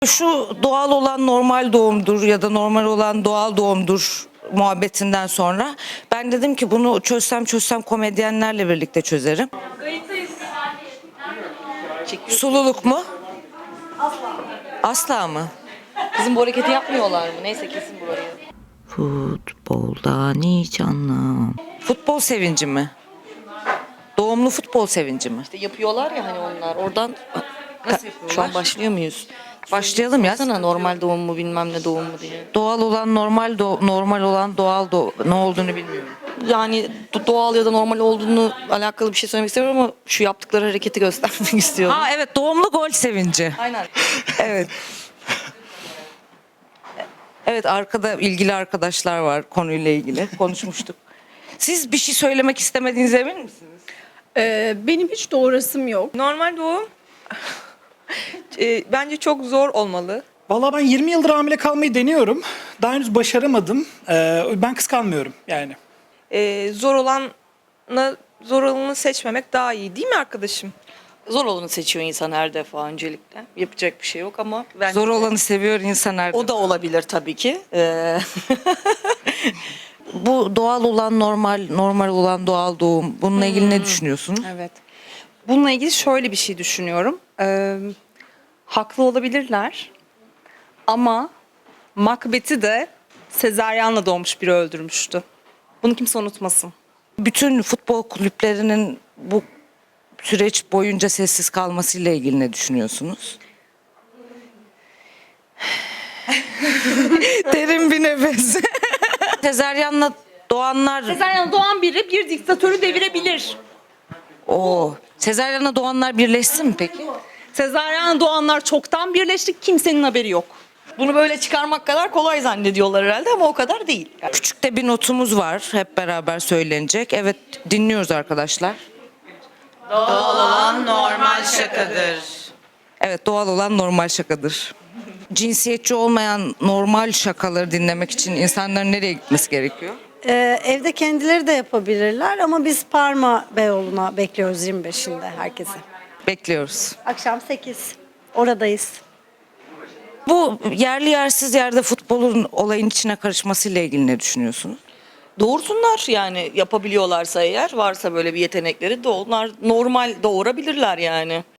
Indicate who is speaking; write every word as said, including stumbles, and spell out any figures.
Speaker 1: Şu doğal olan normal doğumdur ya da normal olan doğal doğumdur muhabbetinden sonra ben dedim ki bunu çözsem çözsem komedyenlerle birlikte çözerim. Sululuk mu? Asla. Asla mı?
Speaker 2: Kızım bu hareketi yapmıyorlar mı? Neyse kesin burayı.
Speaker 1: Futboldan hiç anlam. Futbol sevinci mi? Doğumlu futbol sevinci mi?
Speaker 2: İşte yapıyorlar ya hani onlar. Oradan
Speaker 1: Nasıl yapıyorlar?
Speaker 2: şu an başlıyor muyuz?
Speaker 1: Başlayalım ya.
Speaker 2: Sana normal doğum mu bilmem ne doğum mu diye.
Speaker 1: Doğal olan normal do- normal olan doğal do ne olduğunu bilmiyorum.
Speaker 2: Yani do- doğal ya da normal olduğunu alakalı bir şey söylemek istemiyorum ama şu yaptıkları hareketi göstermek istiyorum.
Speaker 1: Ha evet, doğumlu gol sevinci.
Speaker 2: Aynen.
Speaker 1: Evet. Evet, arkada ilgili arkadaşlar var konuyla ilgili konuşmuştuk. Siz bir şey söylemek istemediğinize emin misiniz?
Speaker 3: Ee, benim hiç doğrasım yok.
Speaker 4: Normal doğum e, bence çok zor olmalı.
Speaker 5: Vallahi ben yirmi yıldır hamile kalmayı deniyorum. Daha henüz başaramadım. Ee, ben kıskanmıyorum yani.
Speaker 4: E, zor olanla zor olanı seçmemek daha iyi değil mi arkadaşım?
Speaker 2: Zor olanı seçiyor insan her defa öncelikle. Yapacak bir şey yok ama bence
Speaker 1: Zor olanı seviyor insan her
Speaker 2: o da olabilir tabii ki. Ee,
Speaker 1: Bu doğal olan normal, normal olan doğal doğum. Bununla ilgili ne düşünüyorsunuz?
Speaker 6: Evet. Bununla ilgili şöyle bir şey düşünüyorum. Ee, haklı olabilirler ama Macbeth'i de sezaryenle doğmuş biri öldürmüştü. Bunu kimse unutmasın.
Speaker 1: Bütün futbol kulüplerinin bu süreç boyunca sessiz kalmasıyla ilgili ne düşünüyorsunuz? Derin bir nefes. Sezaryenle doğanlar,
Speaker 6: Sezaryenle doğan biri bir diktatörü devirebilir.
Speaker 1: o sezaryenle doğanlar birleşsin mi peki?
Speaker 6: Sezaryenle doğanlar çoktan birleşti, kimsenin haberi yok.
Speaker 2: bunu böyle çıkarmak kadar kolay zannediyorlar herhalde ama o kadar değil.
Speaker 1: Küçük de bir notumuz var, hep beraber söylenecek. Evet, dinliyoruz arkadaşlar. Doğal olan normal şakadır. Evet, doğal olan normal şakadır. Cinsiyetçi olmayan normal şakaları dinlemek için insanların nereye gitmesi gerekiyor?
Speaker 7: Ee, evde kendileri de yapabilirler ama biz Parma Beyoğlu'na bekliyoruz yirmi beşinde herkesi.
Speaker 1: Bekliyoruz.
Speaker 7: Akşam sekiz. Oradayız.
Speaker 1: Bu yerli yersiz yerde futbolun olayın içine karışmasıyla ilgili ne düşünüyorsunuz?
Speaker 2: Doğursunlar yani yapabiliyorlarsa eğer varsa böyle bir yetenekleri de onlar normal doğurabilirler yani.